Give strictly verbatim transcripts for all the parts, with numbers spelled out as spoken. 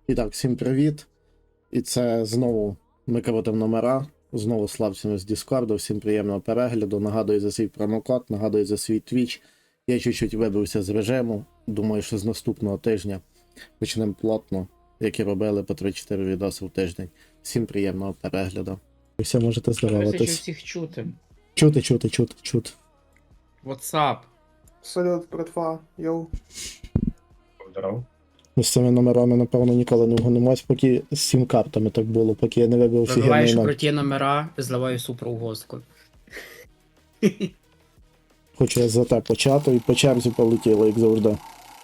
І так, всім привіт. І це знову ми крутимо номера. Знову славцями з Діскорду. Всім приємного перегляду. Нагадую за свій промокод, нагадую за свій твіч. Я чуть-чуть вибився з режиму. Думаю, що з наступного тижня почнемо плотно, як і робили по три-чотири відоси в тиждень. Всім приємного перегляду. Ви все можете Дивися, що здаватись. всіх чути. Чути, чути, чути, чути. Whatsapp. Салют, братва, йоу. Здоров. Ми з цими номерами, напевно, ніколи не вгонимось, поки з сім картами так було, поки я не вибив офігенний Вибиваєш номер. круті номера, зливаю суперугостку. Хочу я за те почати і по черзі полетіло, як завжди.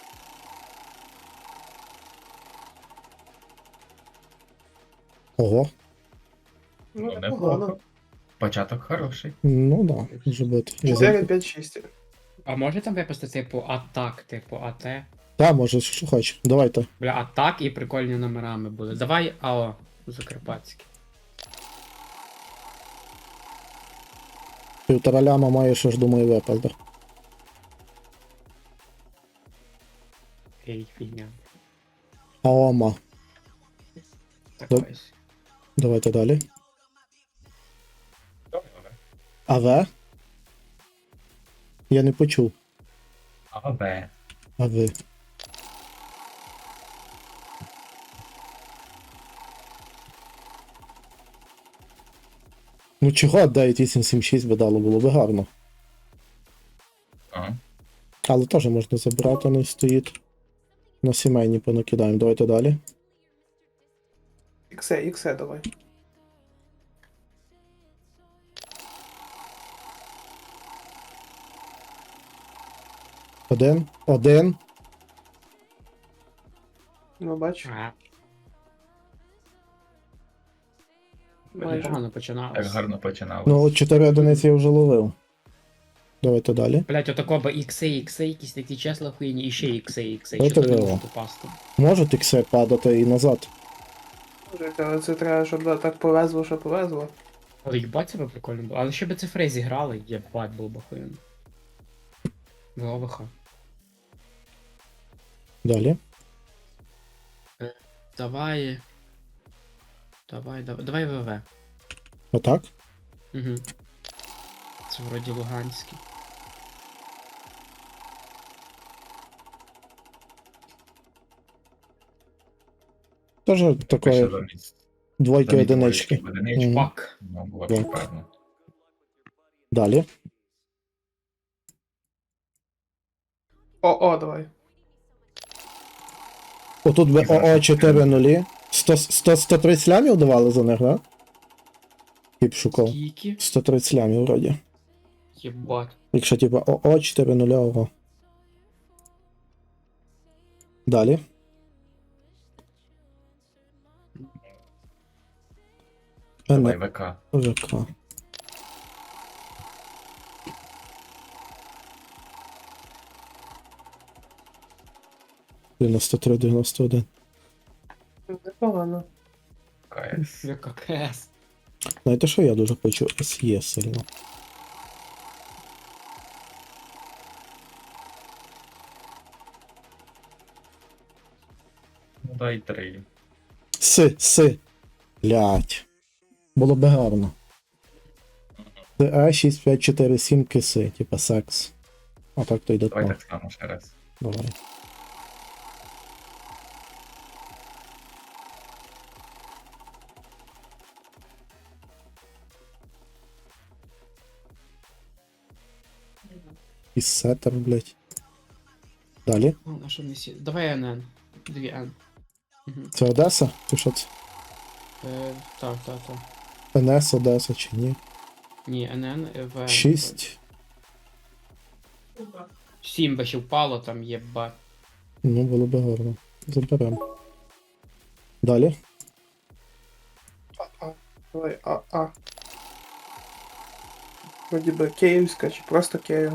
Ого, Ну, Ну, непогано. неплохо. Початок хороший. ну да, може бути. Я чотири, за... п'ять, шість. А може там випустити типу атак, типу АТ? Та, може, що хочеш. Давайте. Бля, атак і прикольні номерами були. Давай АО Закарпатський. Півтора ляма має, що ж думаю, випаде. Ей, фігня. Аома. Так Доп- ось. Давайте далі. Добре. АВ? Я не почув. А, Б. АВ. Ну чого дев'ять вісім сім шість би дало, було би гарно. Ага. Але теж можна забрати, не стоїть. На сімейні понакидаємо. Давайте далі. Іксе, іксе давай. Один. Один. Ну, бач. А, Майже. непогано Так починалось. гарно починали. Ну, от чотири одиниці я вже ловив. Давайте далі. Блять, отако би ікси, ікси, якісь такі числа хуйні, і ще ікси, ікси. Це Чисто не треба. можу попасти. Можуть ікси падати і назад. Може, але це треба, щоб так повезло, що повезло. Але їбать це би прикольно було. Але ще би цифри зіграли, єбать було б охуєнно. Головиха. Далі. Давай. Давай, давай, давай ВВ. Отак. Угу. Це вроді Луганський. Теж Пише такої замість. двойки замість одинички. двоєчки одинички. Мгм. Пак. Ну, було Так. шикарно. Далі. О, о, давай. Отут би І зараз ОО чотири нулі. сто, сто, сто тридцять лямів давали за них, да? Тип шукав. Скільки? сто тридцять лямів вроді. Єбать. Якщо типа ОО чотири нуля, ого. Далі. Давай Н. ВК. ВК. дев'яносто три, дев'яносто один. Непогано. КС. ВККС. Знаєте, що я дуже хочу СЄ сильно. Ну дай три. С, С. Блять. Було б гарно. Це А шість п'ять чотири сім киси, типа секс. А так то йде Давай то. так само ще раз. Давай. І сеттер, блять. Далі. О, на що не сі... Давай НН. Дві Н. Угу. Це Одеса? Ти що це? Е, так, так, так. НС Одеса чи ні? Ні, НН, В. шість. Сім би ще впало там, єбать. Ну, було б гарно. Заберемо. Далі. А, а. Давай, а, а. Вроді би київська чи просто Київ.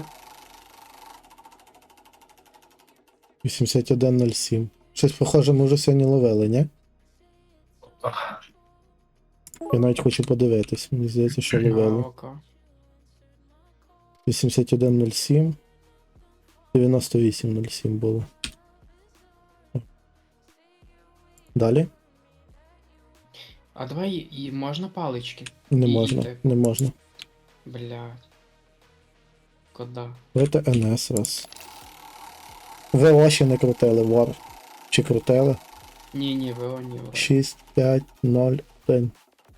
вісімдесят один нуль сім. Щось похоже ми вже сьогодні ловили, ні? Ах, Я навіть хочу подивитись. Мені здається, що ловили. АОК. вісімдесят один нуль сім. дев'яносто вісім нуль сім було. Далі. А давай і можна палички? Не І- і можна. так. Не можна. Блядь. Кода. Давайте ен ес раз. ВО ще не крутили, вор. Чи крутили? Ні, ні, ВО, ні, ВО. шість, п'ять, ноль, один.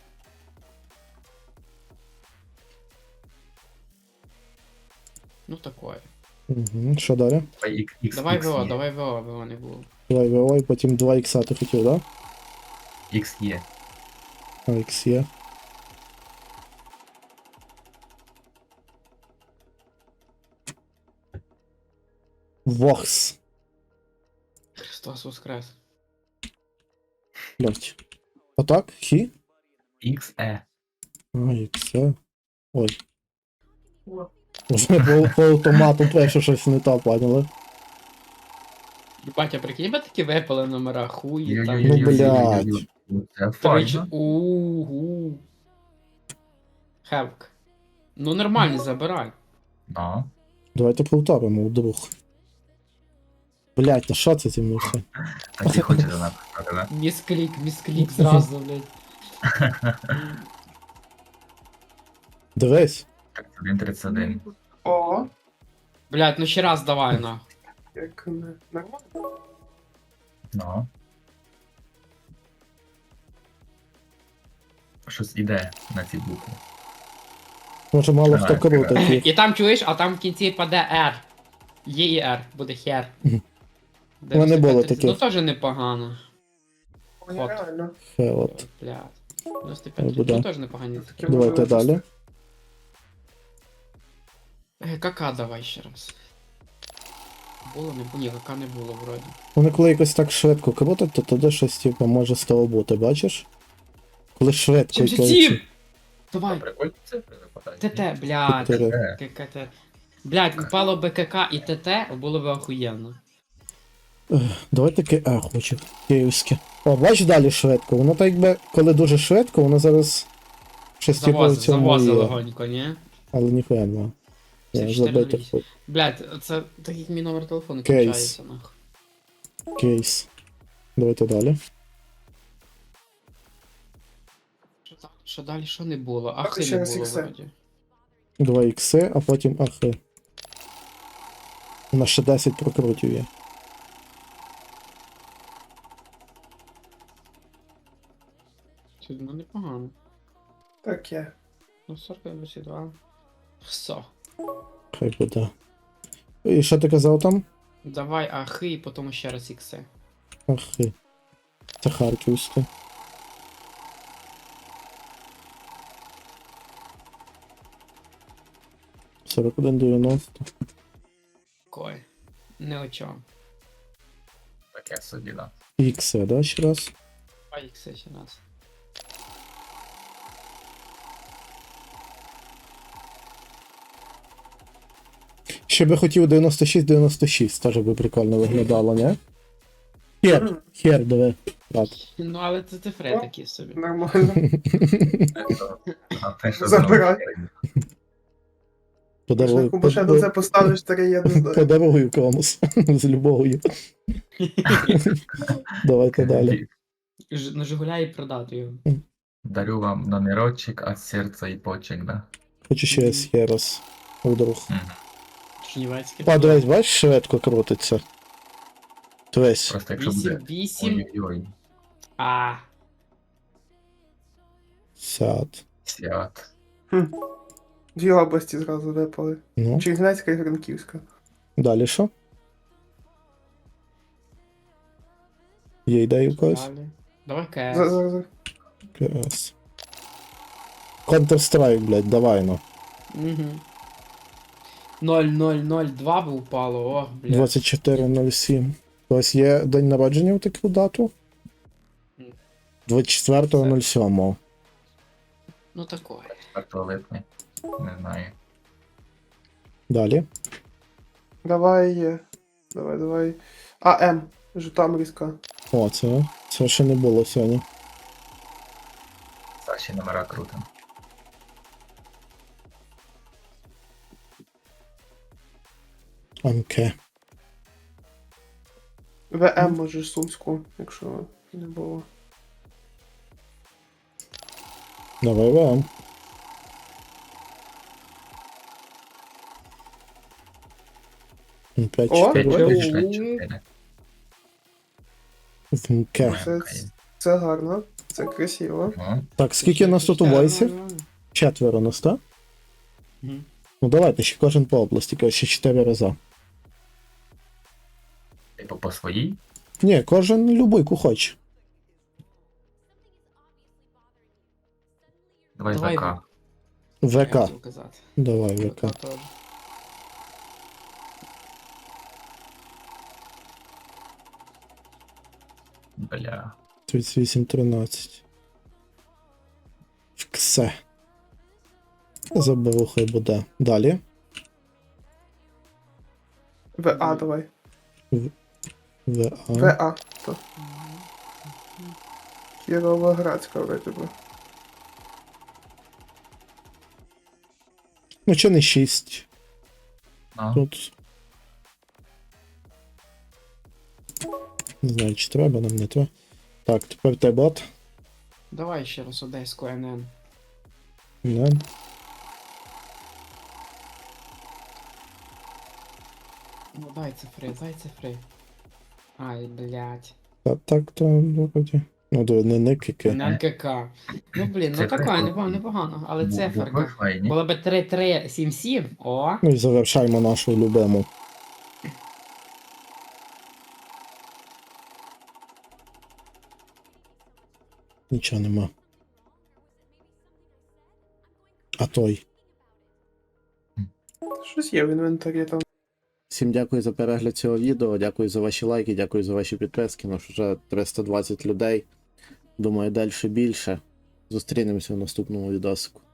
Ну такое. Угу. Що далі? Ой, ікс- ікс- Давай ікс ВО, є. давай ВО, ВО не було. Давай ВО і потім два ікса ти хотів, да? Ікс є. А, ікс є. Вокс. Христос воскрес. Блять. Отак? Хі? Ікс Е. А, іксе. Ой. Вже по, по автомату перше щось не так, поняли? Батя, прикинь, би такі випали номера, хуї там. Ну, блядь. Це Трич... файно. Угу. Хевк. Ну нормально, забирай. Ну. Давайте повторимо, вдруг. Блять, та що це зі мною все? Так і хочете написати, да? Місклік, місклік зразу, блядь. Дивись. Так, один тридцять один. О, Блядь, ну ще раз давай на. як не нормально. Ну. Щось іде на ці букви. Може мало Ага, хто крутить їх. І там чуєш, а там в кінці паде R. Є і R, буде хер. У мене було таке. Ну теж непогано. Ой, От. реально. Хе, от. Блядь. дев'яносто Ну, п'ять. буде. Ну теж непогані. Таке Давайте можливо далі. Е, Кака давай ще раз. Було, не було, ні, кака не було вроді. Вони коли якось так швидко крутять, то тоді щось типу може з того бути, бачиш? Коли швидко сімдесят якось- сім! Давай, Прикольні цифри випадають. ТТ, блядь. Чотири. Е, ККТ. Блядь, впало би КК і ТТ, було б охуєнно. Давай таке А хочу. Київське. О, бач далі швидко. Воно так якби, коли дуже швидко, воно зараз щось типу в Завозив, цьому завозив є. легонько, ні? Але ніхуя нема. Це Я чотири забити вісім. хоч. Блядь, це так як мій номер телефону Кейс. кінчається, нахуй. Кейс. Давайте далі. Що, так- що далі, що не було? Так, Ахи ще не раз було ікси. вроді. Два ікси, а потім ахи. У нас ще десять прокрутів є. Це, ну непогано. Таке. Ну сорок двадцять два. Все. Хай буде. І що ти казав там? Давай ахи і потім ще раз ікси. Ахи. Це харківське. сорок один дев'яносто. Кой. Не о чому. таке собі, да. Ікси, да, ще раз? Давай ікси ще раз. Ще би хотів дев'яносто шість дев'яносто шість, теж би прикольно виглядало, не? Хер, хер, диви. Так. Ну але це цифри О. такі собі. Нормально. А те, що Забирай. знову- Подарую, Якщо ще до це поставиш три єдно. подарую комусь з любов'ю. Давайте далі. Ж- На Жигуля і продати його. Дарю вам номерочек от серця і почек, да? Хочу ще ще раз. Вдруг. Мгм. Чернівецький. А, дивись, бачиш, швидко крутиться. Дивись. Просто якщо вісім буде. вісім. Ой-ой-ой. А. Сяд. Свят. Дві області зразу випали. Ну, Чернівецька і Франківська. далі що? Є ідеї у когось? Далі. Давай За- КС. за- за. КС. Counter-Strike, блядь, давай ну. Угу. ноль ноль ноль два би упало, ох, блядь. двадцять чотири нуль сім. Ось є день народження в таку дату? Ні. двадцять четвертого нуль сьомого. Ну такое. четвертого липня. Не знаю. Далі. Давай. е, Давай, давай. АМ. Житомирська. О, це. Це ще не було сьогодні. Саші номера круто. МК. ВМ може Сумську, якщо не було. Давай вам. п'ять О, чотири ой. п'ять. п'ять чотири. Вмке. Це, це гарно, це красиво. Так, скільки нас тут у войсів? Четверо нас, так? Мгм. Ну давайте ще кожен по області, кажу, ще чотири рази. Типу по своїй? Ні, кожен любий, ку хоче. Давай Давай ВК. Я ВК. хотів казати. Давай, ВК. ВК теж. Бля. тридцять вісім тринадцять. Все. Заберу, хай буде. Далі. ВА давай. ВА. ВА. То. Кіровоградська вроде би. Ну, чи не шість? Ну, Тут. Не знаю, чи треба, нам не треба. Так, тепер те бот. Давай ще раз Одеську ен ен. Не. Ну дай цифри, дай цифри. Ай, блядь. Та так, то вроді. Ну, то не никики. ен ка ка. Ну блін, ну Цифри таке, круто. непогано, непогано. Але бу- букви циферка. файні. Було би три три сім сім. О! Ну і завершаємо нашу любиму. Нічого нема. А той. Щось є в інвентарі там. Всім дякую за перегляд цього відео, дякую за ваші лайки, дякую за ваші підписки. Наш вже триста двадцять людей. Думаю, далі більше. Зустрінемося в наступному відосику.